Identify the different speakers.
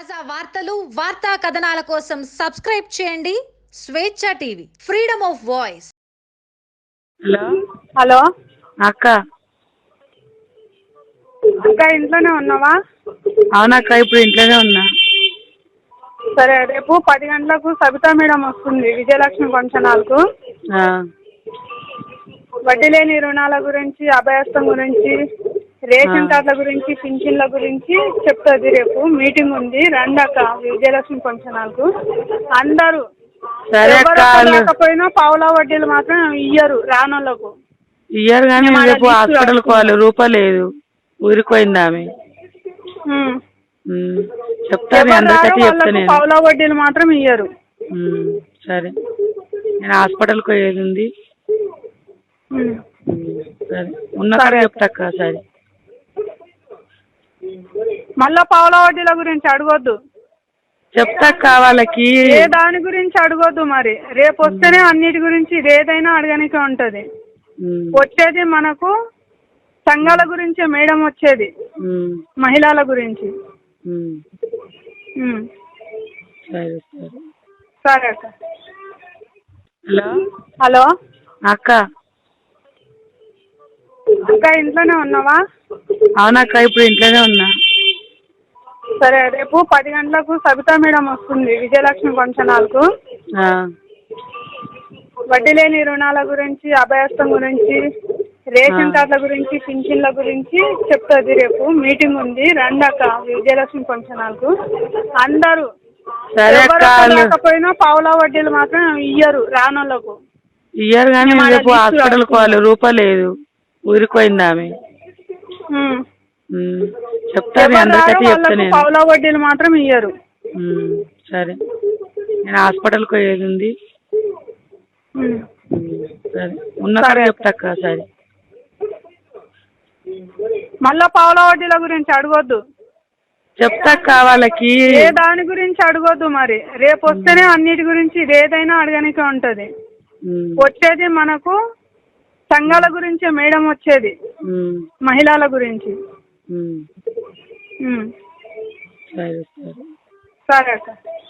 Speaker 1: తాజా వార్తలు, వార్తా కథనాల కోసం సబ్స్క్రైబ్ చేయండి Swecha TV, freedom of voice.
Speaker 2: Hello
Speaker 3: hello
Speaker 2: అక్క.
Speaker 3: అక్క ఇంట్లోనే ఉన్నావా?
Speaker 2: అవునక్క, ఇప్పుడు ఇంట్లోనే ఉన్నా.
Speaker 3: సరే, రేపు 10 గంటలకు సబితా మేడం వస్తుంది విజయలక్ష్మి ఫంక్షన్ హాల్కు.
Speaker 2: ఆ,
Speaker 3: వడ్డీ లేని రుణాల గురించి, అభయస్థం గురించి, రేషన్ కార్డుల గురించి, పింఛన్ల గురించి చెప్తుంది. రేపు మీటింగ్ ఉంది, రండి అక్క విజయలక్ష్మి ఫంక్షన్ హాల్కు. అందరూ
Speaker 2: సరే అక్క.
Speaker 3: ఎవరు రాకపోయినా పావులా వడ్డీలు మాత్రం ఇయ్యరు రానోళ్ళకు.
Speaker 2: ఇయ్యారు కానీ రేపు హాస్పిటల్కి పోవాలి, రూపాయి లేదు, ఊరిపోయింది ఆమె. చెప్తాను అందరికీ చెప్తాను.
Speaker 3: పావులా వడ్డీలు మాత్రం ఇయ్యరు.
Speaker 2: సరే, నేను హాస్పిటల్కి పోయేది ఉంది. సరే, ఉన్నకాడ చెప్తాక్క. సరే,
Speaker 3: మళ్ళా పావులా వడ్డీల గురించి అడగొద్దు,
Speaker 2: చెప్తాక్క. వాళ్ళకి
Speaker 3: ఏ దాని గురించి అడగొద్దు. మరి రేపు వస్తేనే అన్నిటి గురించి ఏదైనా అడగనికే ఉంటది. వచ్చేది మనకు సంఘాల గురించి మేడం వచ్చేది, మహిళల గురించి.
Speaker 2: సరే సరే
Speaker 3: సరే అక్క.
Speaker 2: హలో
Speaker 3: హలో
Speaker 2: అక్క.
Speaker 3: అక్క ఇంట్లోనే ఉన్నావా?
Speaker 2: అవునక్క, ఇప్పుడు ఇంట్లోనే ఉన్నా.
Speaker 3: సరే, రేపు 10 గంటలకు సబితా మేడం వస్తుంది విజయలక్ష్మి ఫంక్షన్ హాల్కు. వడ్డీ లేని రుణాల గురించి, అభయస్థం గురించి, రేషన్ కార్డుల గురించి, పింఛన్ల గురించి చెప్తుంది. రేపు మీటింగ్ ఉంది, రండి అక్క విజయలక్ష్మి ఫంక్షన్ హాల్కు. అందరూ ఎవరు రాకపోయినా పావులా వడ్డీలు మాత్రం ఇయ్యరు రానోళ్ళకు.
Speaker 2: ఇయ్యారు కానీ రేపు హాస్పిటల్కి పోవాలి, రూపాయి లేదు, ఊరిపోయింది ఆమె. చెప్తాను అందరికీ చెప్తాను.
Speaker 3: పావులా వడ్డీలు మాత్రం ఇయ్యరు.
Speaker 2: సరే, నేను హాస్పిటల్కి పోయేది ఉంది. సరే, ఉన్నకాడ చెప్తాక్క. సరే,
Speaker 3: మళ్ళా పావులా వడ్డీల గురించి అడగొద్దు,
Speaker 2: చెప్తాక్క. వాళ్ళకి
Speaker 3: ఏ దాని గురించి అడగొద్దు. మరి రేపు వస్తేనే అన్నిటి గురించి ఏదైనా అడగనికే ఉంటది. వచ్చేది మనకు సంఘాల గురించి మేడం వచ్చేది, మహిళల గురించి.
Speaker 2: సరే సరే
Speaker 3: సరే అక్క.